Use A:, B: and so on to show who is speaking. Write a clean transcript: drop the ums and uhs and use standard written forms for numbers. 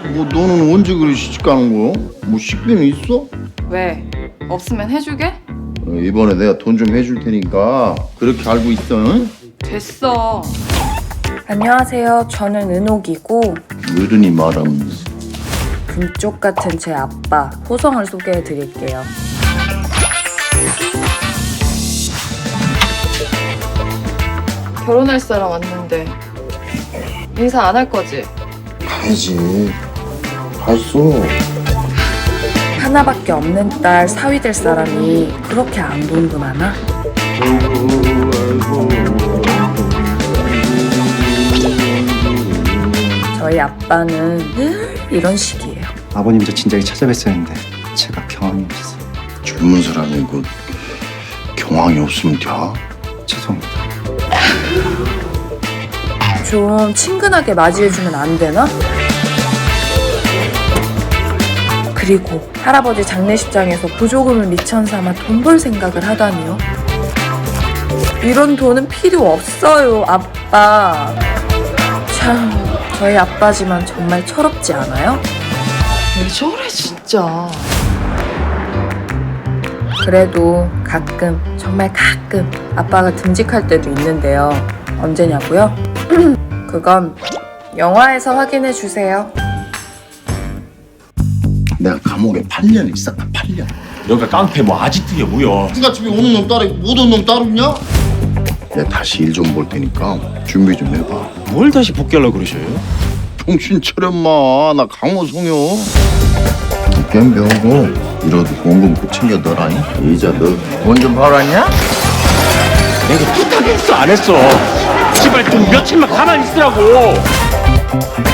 A: 뭐 너는 언제 그리 시집 가는 거야? 뭐 식비는 있어?
B: 왜? 없으면 해주게?
A: 이번에 내가 돈 좀 해줄 테니까 그렇게 알고 있어. 응?
B: 됐어.
C: 안녕하세요. 저는 은옥이고
A: 어른이 말하면서
C: 금쪽 같은 제 아빠 호성을 소개해 드릴게요.
B: 결혼할 사람 왔는데 인사 안 할 거지?
A: 가야지. 갔어.
C: 하나밖에 없는 딸 사위 될 사람이 그렇게 안 돈도 많아? 저희 아빠는 늘 이런 식이에요.
D: 아버님 저 진작에 찾아뵀어야 했는데 제가 경황이 없어서
A: 젊은 사람이 그 경황이 없으면 돼.
D: 죄송합니다.
C: 좀 친근하게 맞이해주면 안 되나? 그리고 할아버지 장례식장에서 보조금을 미천 삼아 돈 벌 생각을 하다니요. 이런 돈은 필요 없어요, 아빠. 참, 저희 아빠지만 정말 철없지 않아요?
B: 왜 저래 진짜.
C: 그래도 가끔, 정말 가끔 아빠가 듬직할 때도 있는데요. 언제냐고요? 그건 영화에서 확인해 주세요.
A: 내가 감옥에 8년 있었다. 8년.
E: 여기가 깡패 뭐 아지트야 뭐야.
A: 네가 집에 오는 놈 따로 있고 못 오는 놈 따로 있냐? 내가 다시 일 좀 볼 테니까 준비 좀 해봐.
E: 뭘 다시 복귀하려고 그러셔요?
A: 정신 차려 마. 나 강호성이요. 게임 배우고 이러도 원금 꼭 챙겨 넣으라니. 이자 너 돈 좀 벌었냐?
E: 내가 부탁했어 안 했어? 제발 좀 며칠만 가만히 있으라고.